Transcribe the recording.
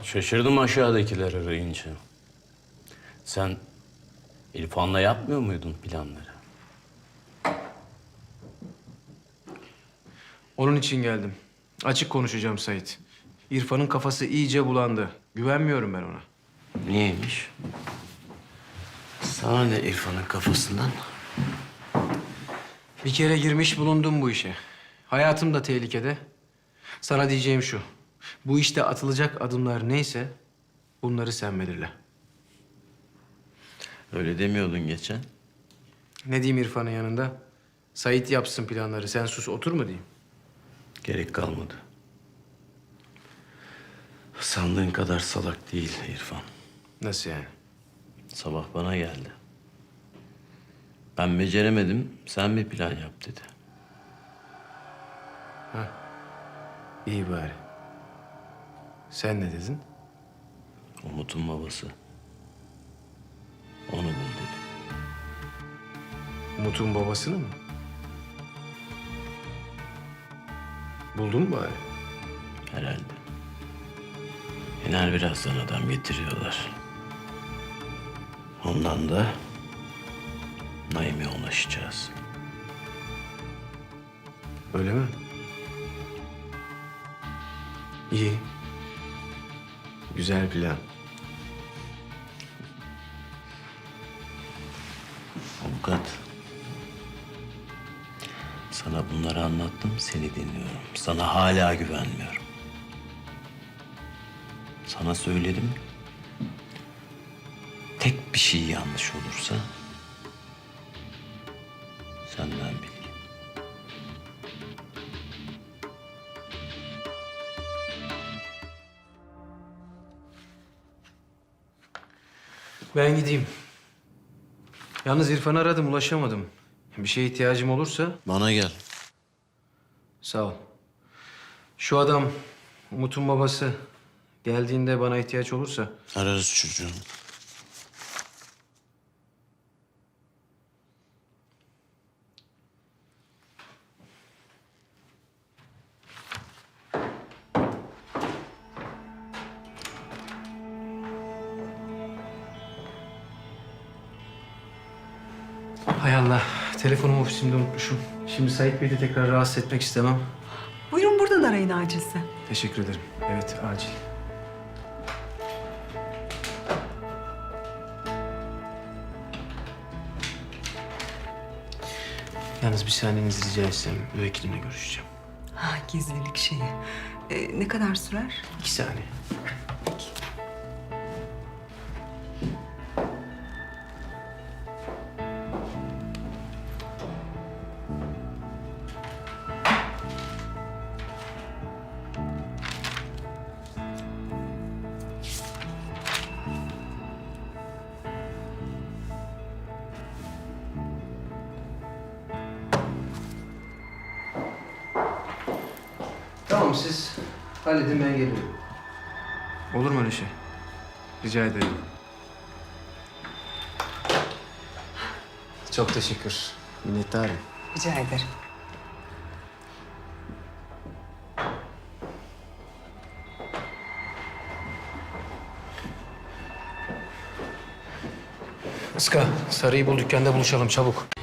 Şaşırdım aşağıdakiler arayınca. Sen İrfan'la yapmıyor muydun planları? Onun için geldim. Açık konuşacağım Sait. İrfan'ın kafası iyice bulandı. Güvenmiyorum ben ona. Niyeymiş? Sana ne İrfan'ın kafasından? Bir kere girmiş bulundum bu işe. Hayatım da tehlikede. Sana diyeceğim şu. Bu işte atılacak adımlar neyse bunları sen belirle. Öyle demiyordun geçen. Ne diyeyim İrfan'ın yanında? Sait yapsın planları. Sen sus otur mu diyeyim? Gerek kalmadı. Sandığın kadar salak değil İrfan. Nasıl yani? Sabah bana geldi. Ben beceremedim, sen bir plan yap dedi. İyi bari. Sen ne dedin? Umut'un babası. Onu bul dedi. Umut'un babasını mı? Buldun mu bari? Herhalde. Yener birazdan adam getiriyorlar. Ondan da Naim'e ulaşacağız. Öyle mi? İyi. Güzel plan. Avukat. Sana bunları anlattım, seni dinliyorum. Sana hala güvenmiyorum. Sana söyledim. Tek bir şey yanlış olursa senden bil. Ben gideyim. Yalnız İrfan'ı aradım, ulaşamadım. Bir şeye ihtiyacım olursa Bana gel. sağ ol. Şu adam, Umut'un babası geldiğinde bana ihtiyaç olursa Ararız çocuğum. hay Allah, telefonumu ofisimde unutmuşum. Şimdi Sait Bey'i de tekrar rahatsız etmek istemem. Buyurun buradan arayın acilse. Teşekkür ederim. Evet, acil. Yalnız bir saniyenizi rica etsem, müvekkilimle görüşeceğim. Ha, gizlilik şeyi. Ne kadar sürer? 2 saniye. Tamam, siz halledin, ben geliyorum. Olur mu öyle şey? Rica ederim. Çok teşekkür. Minnettarım. Rica ederim. Iska, Sarı'yı bul, dükkanda buluşalım çabuk.